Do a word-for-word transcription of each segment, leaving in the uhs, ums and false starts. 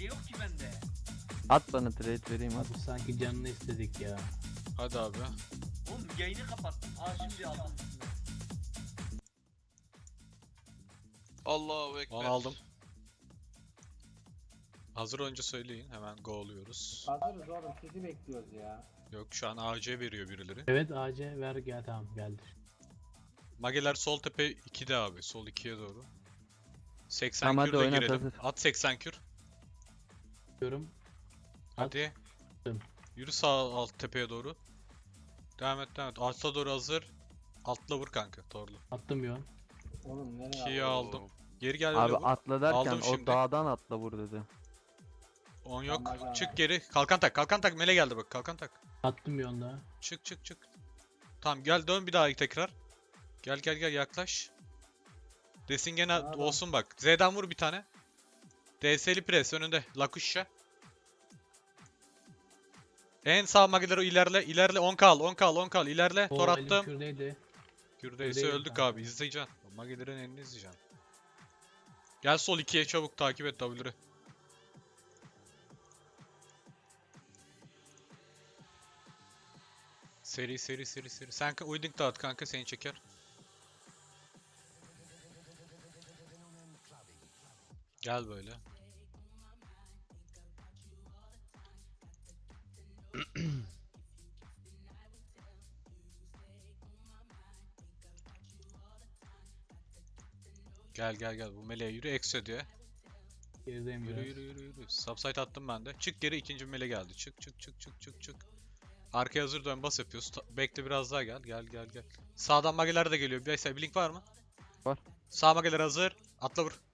C yok ki bende. At bana trade vereyim at. Abi sanki canını istedik ya. Hadi abi. Oğlum yayını kapattım. Aa şimdi aldım üstüne. Allahu ekber. Onu aldım. Hazır önce söyleyin. Hemen go oluyoruz. Hazırız oğlum, sizi bekliyoruz ya. Yok şu an A C veriyor birileri. Evet A C ver gel, tamam geldi. Mageler sol tepe ikide abi. Sol ikiye doğru. seksen Tamam, hadi kürde oynat, girelim. hazır. At seksen kür. Diyorum. Hadi. Attım. Yürü sağ alt tepeye doğru. Devam et devam et. Alta doğru hazır. Altla vur kanka torlu. Attım yon. Oğlum nereye ikiyi aldın? aldım. Geri gel Abi öyle vur. atla derken Aldım o şimdi. dağdan atla vur dedi. on yok. Tamam, Çık geri. Kalkan tak. Kalkan tak. Mele geldi bak. Kalkan tak. Attım yon da. Çık çık çık. Tamam gel dön bir daha tekrar. Gel gel gel yaklaş. Desin gene Tamam. olsun bak. Z'den vur bir tane. D S'li pres önünde. Lakuşya. En sağ mageleri ilerle. ilerle on kal on kal on kal ilerle. O Tor elim attım. şuradaydı. Kürdeyse Kürdeyim öldük kanka. abi. İzleyeceksin. Magelerin elini izleyeceksin. Gel sol ikiye çabuk takip et W'leri. Seri seri seri seri. Sen ka- uyduk dağıt kanka seni çeker. Gel böyle. Gel gel gel bu meleğe yürü Exo diye. Gerideyim Yürü biraz. yürü yürü yürü. Subsite attım ben de. Çık geri ikinci mele geldi. Çık çık çık çık çık çık. Arkaya hazır dön bas yapıyoruz. Ta- bekle biraz daha gel. Gel gel gel. Sağdan mageler de geliyor. Bir blink var mı? Var. Sağ mageler hazır. Atla vur.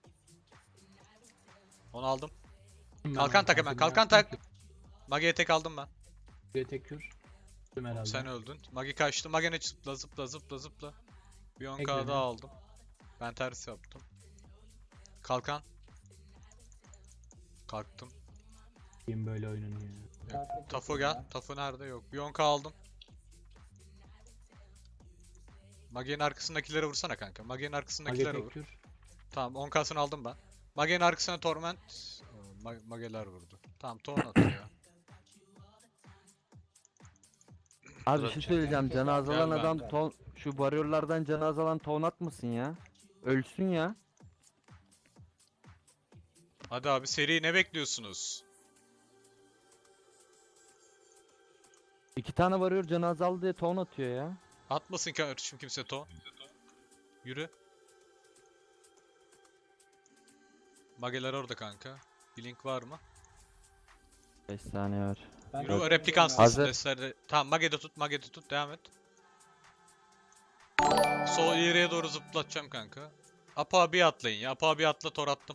Onu aldım. Ben Kalkan tak hemen. attım, Kalkan attım. tak. Mage'ye tek aldım ben. Bir tek kür. Attım herhalde. Sen öldün. Mage kaçtı. Mage'ne zıpla zıpla zıpla zıpla. Bir on K Ekledim. daha aldım. Ben ters yaptım. Kalkan. Kalktım. Kim böyle oynanıyor. Takip Tafo edin gel. ya. Tafo nerede? Yok. Bir on K aldım. Mage'nin arkasındakilere vursana kanka. Mage'nin Mage arkasındakilere tek vur. kür. Tamam on K'sını aldım ben. Mage'nin arkasına Torment. Oo, Ma- Mage'ler vurdu. Tamam Torn atıyor. Abi bir şey söyleyeceğim. Canı azalan Gel ben. adam ton, şu varyorlardan canı azalan ton atmasın ya. Ölsün ya. Hadi abi seri ne bekliyorsunuz? İki tane varıyor canı azaldı diye ton atıyor ya. Atmasın kardeşim kimse Torn. Yürü. Mage'ler orada kanka. Blink var mı? beş saniye var. Ben Yürü de- replikansın. Hazır. Deslerde. Tamam Mage'de tut Mage'de tut devam et. Sol ileriye doğru zıplatacağım kanka. Apa abi atlayın ya. Apa abi atla tor attım.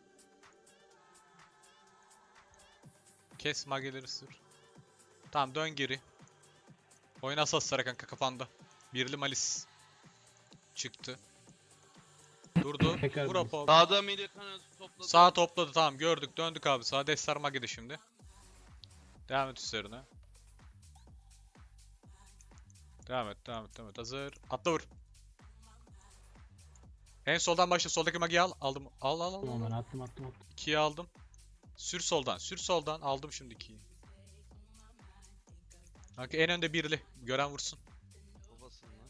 Kes mageleri sür. Tamam dön geri. Oyna asaslara kanka kafanda. Birli malis. Çıktı. Durdu. Tekrar Vur biz. apa abi. Sağda Milikan'ı topladı. Sağ topladı tamam gördük döndük abi. Sağ destar magede şimdi. Devam et üstlerine. Devam et devam et devam et. Hazır. Atla vur. En soldan başla. Soldaki magiyi al. Aldım. Al al al. Tamam al. ben attım attım attım. ikiyi aldım. Sür soldan. Sür soldan. Aldım şimdi ikiyi. Kanka en önde birli. Gören vursun. Babasın lan.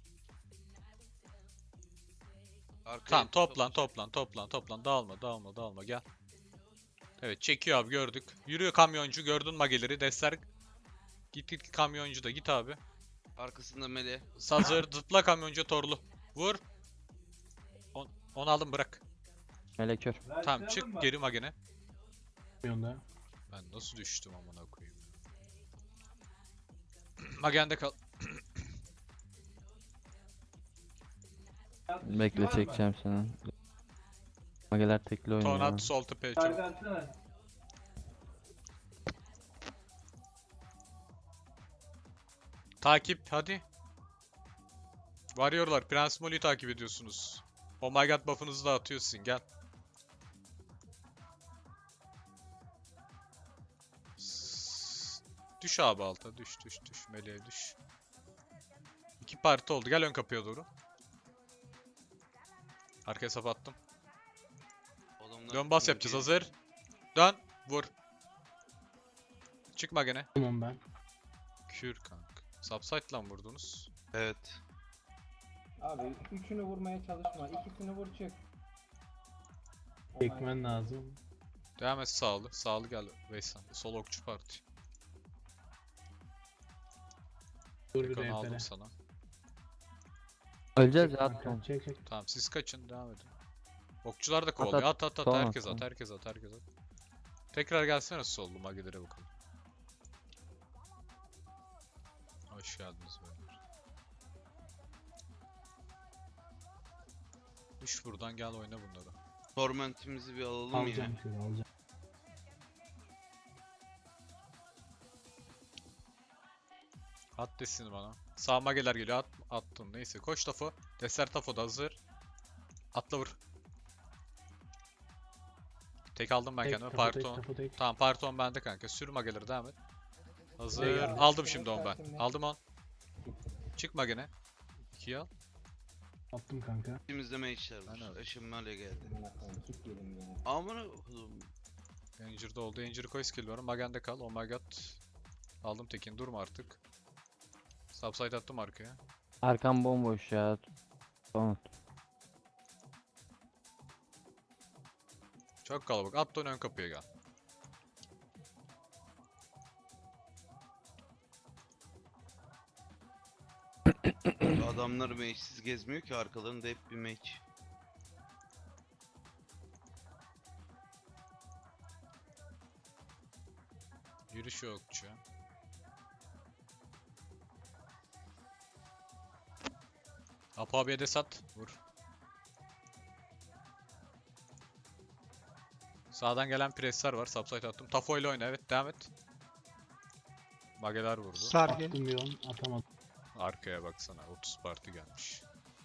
Arkaya Tamam bir toplan topla. toplan toplan toplan. Dağılma dağılma dağılma gel. Evet çekiyor abi gördük. Yürüyor kamyoncu. Gördün mageleri. Destler. Git git kamyoncu da git abi. Arkasında Mele. Hazır. Zıpla kamyoncu torlu. Vur. On, onu aldım bırak. Melekör. Tamam çık geri magene. Yon da. Ben nasıl düştüm amına koyayım. Magende kal. Bekle çekeceğim seni. Mageler tekli oynuyor. Tornat sol tepeye çabuk. Takip hadi. Varıyorlar. Prens Molly'yi takip ediyorsunuz. Oh my god buff'ınızı da atıyorsun gel. S- Düş abi alta düş düş düş meleğe düş. İki parti oldu gel ön kapıya doğru. Arkaya sap attım. Adamlar Dön bas tutuyor yapacağız diye. hazır. Dön. Vur. Çıkma gene. Tamam ben. Kür kanka. Subsite'la mı vurdunuz? Evet. Abi üçünü vurmaya çalışma. İkisini vur çık. Çekmen lazım. Devam et sağlı. Sağlı gel Veysel. Sol okçu parti. Dur bir Ekon'u aldım rehbere. sana. Öleceğiz ya Kanka, at. çek çek. Tamam siz kaçın devam edin. Okçular da kovalıyor. At at at. Tamam, Herkes at. tamam. Herkes at. Herkes at. Tekrar gelsene sollu magilere bakalım. Hoş geldiniz beyler. Düş buradan gel oyna bunları. Torment'imizi bir alalım ya. Alacağım şöyle alacağım. At desini bana. Sağ mageler geliyor. At, attım. Neyse. Koş Tafo. Deser Tafo da hazır. Atla vur. Tek aldım ben Tek, kendime. tapu tek, Parton. tapu tek. Tamam Parton bende kanka. Sür mageleri devam et. Hazır. Eyvallah. Aldım şimdi on ben. Şimdi. Aldım on. Çıkma gene. ikiyi al. Attım kanka. İçimizde mage'ler Ben var. öyle. Eşimlerle geldi. Amına koyayım, kit yedim ya. Amına koydum. Injured oldu. Injury koy skill var. Magen'de kal. Oh my god. Aldım Tekin. Durma artık. Subside attım arkaya. Arkam bomboş ya. Tamam. Çok kalabalık. At dön ön kapıya gel. Adamlar mage'siz gezmiyor ki, arkalarında hep bir mage. Yürüyüş yokçu. Apo abiye de sat. Vur. Sağdan gelen presler var. Subside attım. Tafo ile oyna. Evet devam et. Mageler vurdu. Attım bir on atamadım. Arkaya baksana. otuz parti gelmiş.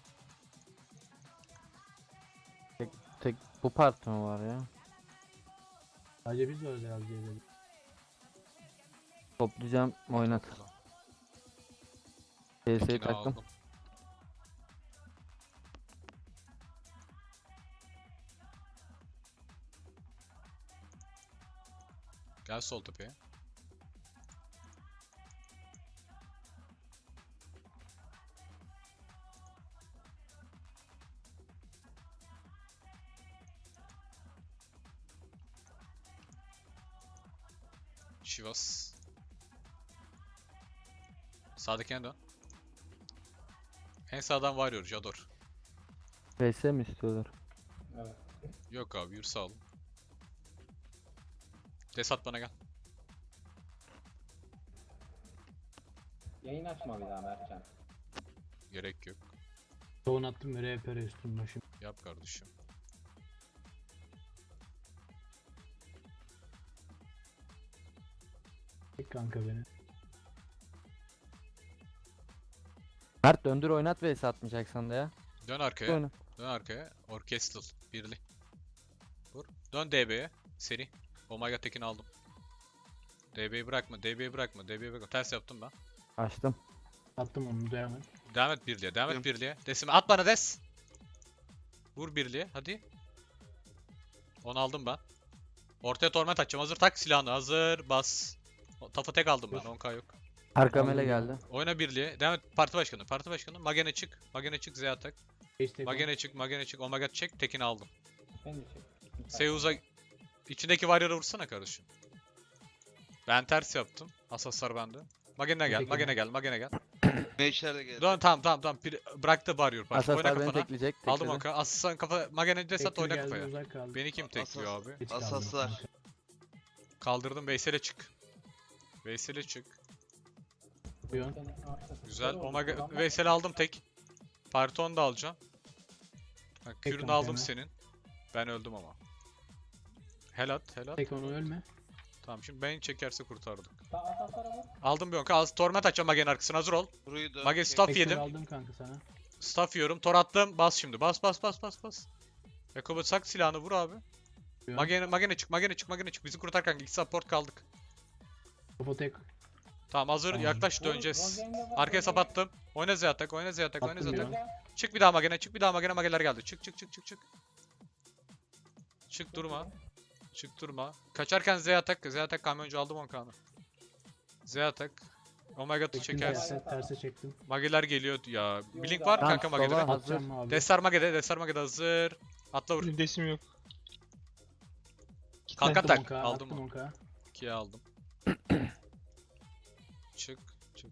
Tek bu part mı var ya? Sadece biz varız ya diye dedim. Toplayacağım oynat. P S'yi Tekini taktım. aldım. Gel sol tepeye. Şivas. Sağdakine dön. En sağdan varıyor Jador. P S mi istiyorlar? Evet. Yok abi yürü sağ ol. Desat bana gel. Yayın açma bir daha Mertcan. Gerek yok. Tohum attım ve rehbere üstüm başım. Yap kardeşim. Çek kanka beni. Mert döndür oynat ve atmayacaksan da ya. Dön arkaya. Oyna. Dön arkaya. Orkestral. Birli. Vur. Dön D B'ye. Seri. Omega Tekin aldım. D B'yi bırakma. D B'yi bırakma. D B'yi bırakma. Ters yaptım ben. Açtım. Attım onu devam et. Devam et birliğe. Devam et Yok. birliğe. Desime at bana des. Vur birliğe. Hadi. Onu aldım ben. Ortaya torment atacağım. Hazır tak silahını. Hazır. Bas. O- Tafa tek aldım ben. Dur. on K yok. Arkam Aldım ele ya. geldi. Oyna birliğe. Devam et. Parti başkanı. Parti başkanı. Magene çık. Magene çık. Z atak. Hashtag on. Magene çık. Magene çık. Omega çek. Tekin'i aldım. Ben de çek. Seuz'a içindeki Warrior'a vursana kardeşim. Ben ters yaptım. Asaslar bende. Magene gel, Teşekkür Magene gel, Magene gel. Mage'ler de geldi. Dön tamam tamam tamam. Bir- bıraktı Warrior parti. Oyna Asaslar beni kafana. tekleyecek. Aldım tekledi. oka. Asaslan kafa Magene de sat Tektir oyna geldi, kafaya. uzak kaldı. Beni kim tekliyor abi? Geç kaldım Asaslar. kanka. Kaldırdım Veysel'e çık. Veysel'e çık. Bir on. Güzel. Omega Veysel'i aldım tek. Parton da alacağım. Bak Tek kürünü kanka aldım hemen. senin. Ben öldüm ama. Helat, helat. Tek onu ölme. Tamam şimdi beni çekerse kurtardık. Asaslara vur. Aldım bir onka. Az torment açacağım Mage'nin arkasına hazır ol. Burayı da Mage Tek- staff Tek yedim. aldım kanka sana. Staff yiyorum. Tor attım. Bas şimdi. Bas bas bas bas bas. Yakubu sak silahını vur abi. Bir on. Magene, Magene çık. Magene çık. Magene çık. Bizi kurtar kanka. İki support kaldık. Topu tek. Tamam hazır. Tamam. Yaklaş döneceğiz. Arkaya sap attım. Oyna Z atak. Oyna Z atak. Oyna Z Attım atak. ya. Çık bir daha Magene. Çık bir daha Magene. Mageler geldi. Çık çık çık çık çık. Çık durma. Çık durma. Kaçarken Z atak. Z atak kamyoncu aldım on kanı. Z atak. Omega Çektim çekersin. terse, terse çektim. Mageler geliyor ya. Blink var mı Tamam, kanka sola Mage'de? hazır. Atacağım abi. Destar Mage'de. Destar Mage'de hazır. Atla vur. Desim yok. Kalkan Attım tak. on K, Aldım attım mı? on K. ikiye aldım. Çık.